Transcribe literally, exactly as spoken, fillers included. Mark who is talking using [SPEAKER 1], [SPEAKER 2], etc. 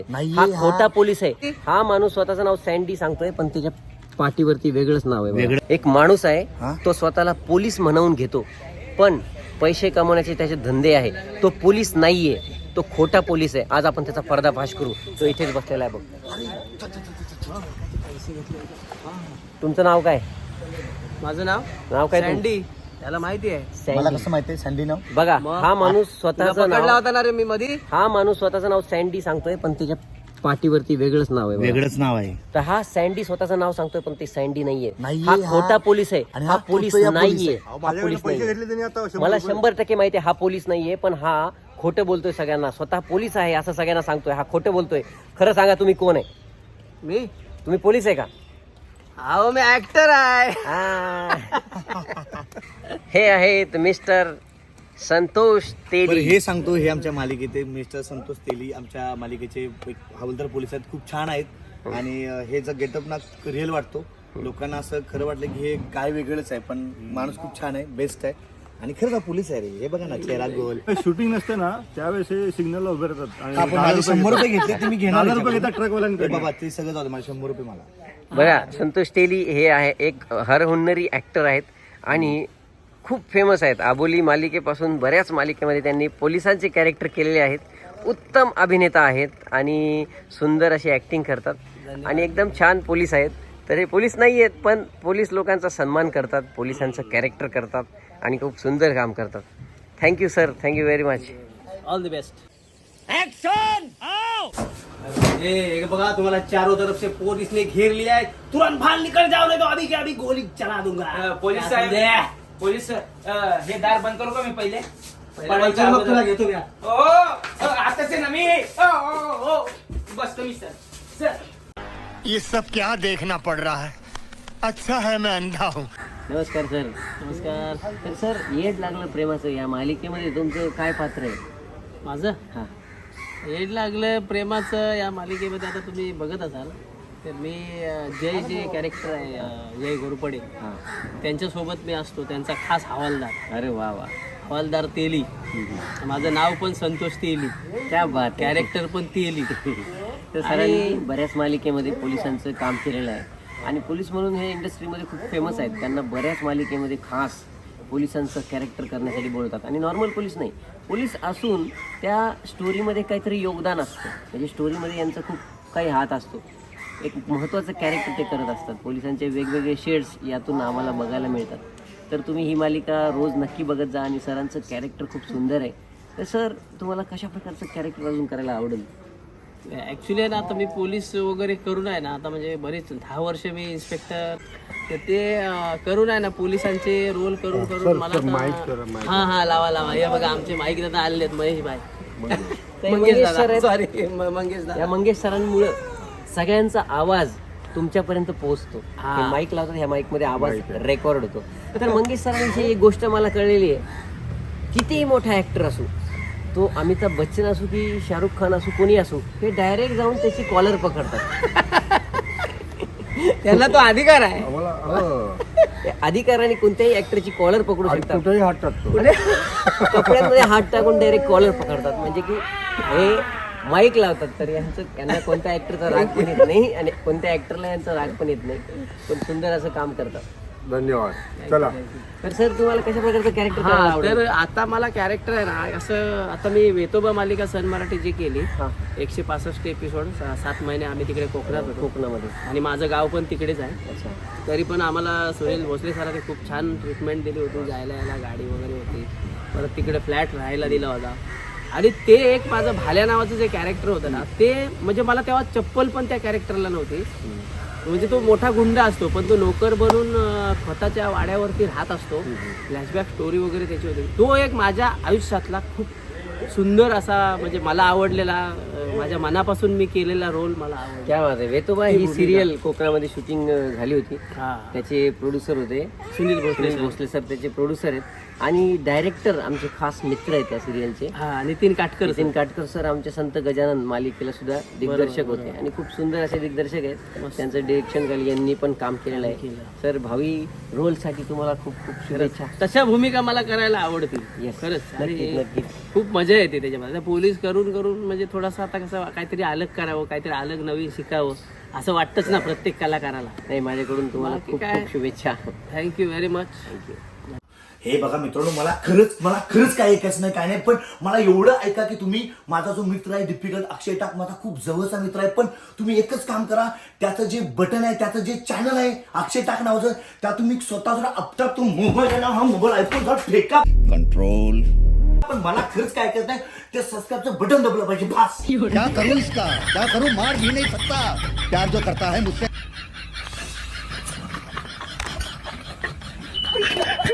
[SPEAKER 1] नाही,
[SPEAKER 2] हा
[SPEAKER 1] हा-
[SPEAKER 2] खोटा पोलीस आहे. हा माणूस स्वतःचं नाव सँडी सांगतोय पण त्याच्या पाठीवरती वेगळंच नाव आहे.
[SPEAKER 1] वेगळं.
[SPEAKER 2] एक माणूस आहे
[SPEAKER 1] हा?
[SPEAKER 2] तो स्वतःला पोलीस म्हणवून घेतो पण पैसे कमवण्याचे त्याचे धंदे आहे. तो पोलीस नाहीये, तो खोटा पोलीस आहे. आज आपण त्याचा पर्दाफाश करू. तो इथेच बसलेला आहे बघ. तुमचं नाव काय?
[SPEAKER 3] माझं नाव
[SPEAKER 2] नाव काय तुमचं?
[SPEAKER 3] सँडी. त्याला माहिती आहे.
[SPEAKER 1] मला
[SPEAKER 2] सँडी.
[SPEAKER 1] कसं माहितीये सँडी नाव?
[SPEAKER 2] बघा
[SPEAKER 3] मग?
[SPEAKER 2] हा माणूस
[SPEAKER 3] तुला
[SPEAKER 2] स्वतःचं
[SPEAKER 3] पकडला
[SPEAKER 2] नाव
[SPEAKER 3] होता ना रे मी मधी.
[SPEAKER 2] हा माणूस स्वतःचं नाव सँडी सांगतोय पण त्याच्या पाठीवरती वेगळंच नाव आहे.
[SPEAKER 1] वेगळंच नाव आहे.
[SPEAKER 2] तर हा सँडी स्वतःचं नाव सांगतोय पण ते सँडी नाहीये.
[SPEAKER 1] नाहीये,
[SPEAKER 2] हा
[SPEAKER 1] हा-
[SPEAKER 2] खोटा पोलीस आहे.
[SPEAKER 1] आणि
[SPEAKER 2] हा
[SPEAKER 1] हा
[SPEAKER 2] पोलीस
[SPEAKER 1] खोटया पोलीस
[SPEAKER 2] नाहीये.
[SPEAKER 1] आहे.
[SPEAKER 2] हा पोलीस नाहीये. मला शंभर टक्के माहिती आहे हा पोलीस नाहीये पण हा खोटं बोलतोय सगळ्यांना. स्वतः पोलीस आहे असं सगळ्यांना सांगतोय. हा खोटं बोलतोय. खरं सांगा तुम्ही कोण आहे?
[SPEAKER 3] मी
[SPEAKER 2] तुम्ही पोलीस आहे का?
[SPEAKER 3] अहो मी ऍक्टर आहे.
[SPEAKER 2] हा. हे आहेत मिस्टर संतोष
[SPEAKER 1] बरं,
[SPEAKER 2] तेली.
[SPEAKER 1] हे सांगतो, हे आमच्या मालिकेचे मिस्टर संतोष तेली आमच्या मालिकेचे एक हवालदार पोलीस आहेत. खूप छान आहेत आणि अं, हे जर गेटअप ना रिअल वाटतो. लोकांना असं खरं वाटलं की हे काय वेगळंच आहे पण माणूस खूप छान आहे, बेस्ट आहे आणि खरंच हा पोलीस आहे रे. हे बघा ना, चेहरा गोल.
[SPEAKER 4] शूटिंग नसते ना त्यावेळेस हे सिग्नलला उभे राहतात आणि
[SPEAKER 1] आपण
[SPEAKER 4] दहा
[SPEAKER 1] माझे
[SPEAKER 4] रुपये
[SPEAKER 1] शंभर रुपये
[SPEAKER 4] घेतात.
[SPEAKER 1] घेतले तुम्ही घेणार
[SPEAKER 4] दहा
[SPEAKER 1] आहे
[SPEAKER 4] रुपये
[SPEAKER 1] का?
[SPEAKER 4] घेतात ट्रकवाल्यांकडे.
[SPEAKER 1] ए बाबा, ते सगळं जाऊ दे, मला शंभर रुपये मला.
[SPEAKER 2] बघा संतोष तेली हे आहे एक हरहुन्नरी ऍक्टर आहेत आणि खूप फेमस आहेत. आबोली मालिकेपासून बऱ्याच मालिकेमध्ये त्यांनी पोलिसांचे कॅरेक्टर केलेले आहेत. उत्तम अभिनेता आहेत आणि सुंदर अशी ऍक्टिंग करतात आणि एकदम छान पोलीस आहेत. तर हे पोलीस नाही आहेत पण पोलीस लोकांचा सन्मान करतात, पोलिसांचं कॅरेक्टर करतात आणि खूप सुंदर काम करतात. Thank you sir, thank you very much.
[SPEAKER 3] All the best. Action. ये बघा, तुम्हाला चारों तरफ से पुलिस ने घेर लिया है. तुरंत बाहर निकल जाओ नहीं तो अभी के अभी गोली चला दूंगा.
[SPEAKER 5] पोलीस साहेब, पोलीस अं, हे दार बंद करू का मी पहिले?
[SPEAKER 3] पहिले मग तुला घेतो मी.
[SPEAKER 5] ओ, ओ, आताच आहे ना मी. ओ, ओ, ओ, बस तुम्ही सर. सर
[SPEAKER 6] ये सब क्या देखना पड़ रहा है? अच्छा है मैं अंधा हूँ.
[SPEAKER 2] नमस्कार सर. नमस्कार. तर सर, येड लागलं प्रेमाचं या मालिकेमध्ये तुमचं काय पात्र आहे?
[SPEAKER 3] माझं
[SPEAKER 2] हा.
[SPEAKER 3] हेड लागलं प्रेमाचं या मालिकेमध्ये आता तुम्ही बघत असाल तर मी अं, जय जे कॅरेक्टर आहे अं, जय घोरपडे
[SPEAKER 2] हा.
[SPEAKER 3] त्यांच्यासोबत मी असतो, त्यांचा खास हवालदार.
[SPEAKER 2] अरे वा वा.
[SPEAKER 3] हवालदार तेली. माझं नाव पण संतोष तेली,
[SPEAKER 2] क्या बात.
[SPEAKER 3] कॅरेक्टर पण तेली.
[SPEAKER 2] तर सरांनी बऱ्याच मालिकेमध्ये पोलिसांचं काम केलेलं आहे आणि पोलीस म्हणून हे इंडस्ट्रीमध्ये खूप फेमस आहेत. त्यांना बऱ्याच मालिकेमध्ये खास पोलिसांचं कॅरेक्टर करण्यासाठी बोलतात आणि नॉर्मल पोलीस नाही, पोलीस असून त्या स्टोरीमध्ये काहीतरी योगदान असतं. म्हणजे स्टोरीमध्ये यांचा खूप काही हात असतो. एक महत्त्वाचं कॅरेक्टर ते करत असतात. पोलिसांचे वेगवेगळे शेड्स यातून आम्हाला बघायला मिळतात. तर तुम्ही ही मालिका रोज नक्की बघत जा आणि सरांचं कॅरेक्टर खूप सुंदर आहे. तर सर, तुम्हाला कशा प्रकारचं कॅरेक्टर अजून करायला आवडेल?
[SPEAKER 3] ॲक्च्युली ना आता मी पोलीस वगैरे करून आहे ना, आता म्हणजे बरेच दहा वर्ष मी इन्स्पेक्टर, तर ते अं, करून आहे ना पोलिसांचे रोल करून करून मला आता- हा हा लावा लावा. हे बघा आमचे माईक दादा आलेले आहेत, महेश भाई. मंगेश
[SPEAKER 2] मंगेश सर
[SPEAKER 3] दादा,
[SPEAKER 2] आहेत.
[SPEAKER 3] सॉरी मंगेश दादा.
[SPEAKER 2] या मंगेश सरांमुळं सगळ्यांचा आवाज तुमच्यापर्यंत पोहोचतो.
[SPEAKER 3] हा.
[SPEAKER 2] हे माईक लावतात, ह्या माईक मध्ये आवाज रेकॉर्ड होतो. तर मंगेश सरांविषयी एक गोष्ट मला कळलेली आहे, कितीही मोठा ऍक्टर असो, तो अमिताभ बच्चन असो की शाहरुख खान असो, कोणी असो, हे डायरेक्ट जाऊन त्याची कॉलर पकडतात.
[SPEAKER 3] त्यांना तो अधिकार आहे.
[SPEAKER 2] ते अधिकाराने कोणत्याही ऍक्टरची कॉलर पकडू शकतात.
[SPEAKER 4] कुठेही हात टाकतो.
[SPEAKER 2] कपड्यांमध्ये हात टाकून डायरेक्ट कॉलर पकडतात. म्हणजे की हे माईक लावतात तर यांचं यांना कोणत्या ऍक्टरचा राग पण येत नाही आणि कोणत्या ऍक्टरला यांचा राग पण येत नाही, पण सुंदर असं काम करतात.
[SPEAKER 4] धन्यवाद. चला.
[SPEAKER 2] तर सर, तुम्हाला कशा प्रकारचं कॅरेक्टर करायला
[SPEAKER 3] हा,
[SPEAKER 2] आवडेल?
[SPEAKER 3] तर आता मला कॅरेक्टर आहे ना असं, आता मी वेतोबा मालिका सन मराठी जी केली,
[SPEAKER 2] हा.
[SPEAKER 3] एकशे पासष्ट एपिसोड, सात महिने आम्ही तिकडे कोकणात होतो
[SPEAKER 2] कोकणामध्ये.
[SPEAKER 3] आणि माझं गाव पण तिकडेच आहे.
[SPEAKER 2] अच्छा.
[SPEAKER 3] तरी पण आम्हाला सुनील भोसले सरांनी खूप छान ट्रीटमेंट दिली होती. जायला यायला गाडी वगैरे होती, परत तिकडे फ्लॅट राहायला दिला होता. आणि ते एक माझं भाल्या नावाचं जे कॅरेक्टर होतं ना, ते म्हणजे मला तेव्हा चप्पल पण त्या कॅरेक्टरला नव्हती. म्हणजे तो मोठा गुंड असतो पण तो नोकर बनून अं, खताच्या वाड्यावरती राहत असतो. फ्लॅशबॅक स्टोरी वगैरे त्याची होती. तो एक माझ्या आयुष्यातला खूप सुंदर असा, म्हणजे मला आवडलेला, अं, माझ्या मनापासून मी केलेला रोल मला आवडला.
[SPEAKER 2] क्या बात आहे. वेतोबा ही सिरियल कोकणामध्ये शूटिंग झाली होती.
[SPEAKER 3] हा.
[SPEAKER 2] त्याचे प्रोड्युसर होते
[SPEAKER 3] सुनील भोसले
[SPEAKER 2] सुनील
[SPEAKER 3] सर.
[SPEAKER 2] भोसले सर, त्याचे प्रोड्युसर आहेत. आणि डायरेक्टर आमचे खास मित्र आहेत त्या सिरियलचे
[SPEAKER 3] हा नितीन काटकर
[SPEAKER 2] नितीन काटकर सर आमचे संत गजानन मालिकेला सुद्धा दिग्दर्शक होते आणि खूप सुंदर असे दिग्दर्शक आहेत. त्यांचं डिरेक्शन खाली यांनी पण काम केलेलं आहे. सर भावी रोलसाठी तुम्हाला खूप खूप शुभेच्छा.
[SPEAKER 3] तशा भूमिका मला करायला आवडतील
[SPEAKER 2] Yes.
[SPEAKER 3] खरंच.
[SPEAKER 2] नक्कीच,
[SPEAKER 3] आणि
[SPEAKER 2] नक्कीच.
[SPEAKER 3] खूप मजा येते त्याच्यामध्ये. आता पोलीस करून करून म्हणजे थोडासा आता कसं काहीतरी अलग करावं, काहीतरी अलग नवीन शिकावं असं वाटतंच ना प्रत्येक कलाकाराला.
[SPEAKER 2] नाही माझ्याकडून तुम्हाला
[SPEAKER 3] बाकी
[SPEAKER 2] खूप
[SPEAKER 3] काय?
[SPEAKER 2] खूप शुभेच्छा.
[SPEAKER 3] Thank you very much.
[SPEAKER 2] थँक्यू.
[SPEAKER 1] हे बघा मित्रांनो, मला खरंच मला खरंच काय ऐकायचं नाही काय नाही, पण मला एवढं ऐका की तुम्ही माझा जो मित्र आहे डिफिकल्ट अक्षय टाक माझा खूप जवळचा मित्र आहे, पण तुम्ही एकच काम करा, त्याचं जे बटन आहे त्याचं जे चॅनल आहे अक्षय टाक नावाचं, त्या तुम्ही स्वतः जरा अपटाप तो मोबाईल आहे ना हा मोबाईल आयफोन जरा फेका
[SPEAKER 6] कंट्रोल.
[SPEAKER 1] पण मला खरंच काय ऐकायचं नाही, ते सबस्क्राईबचं बटन दबलं पाहिजे बस.
[SPEAKER 6] क्या करूं इसका, क्या करूं, मार भी नहीं सकता, प्यार जो करता है मुझसे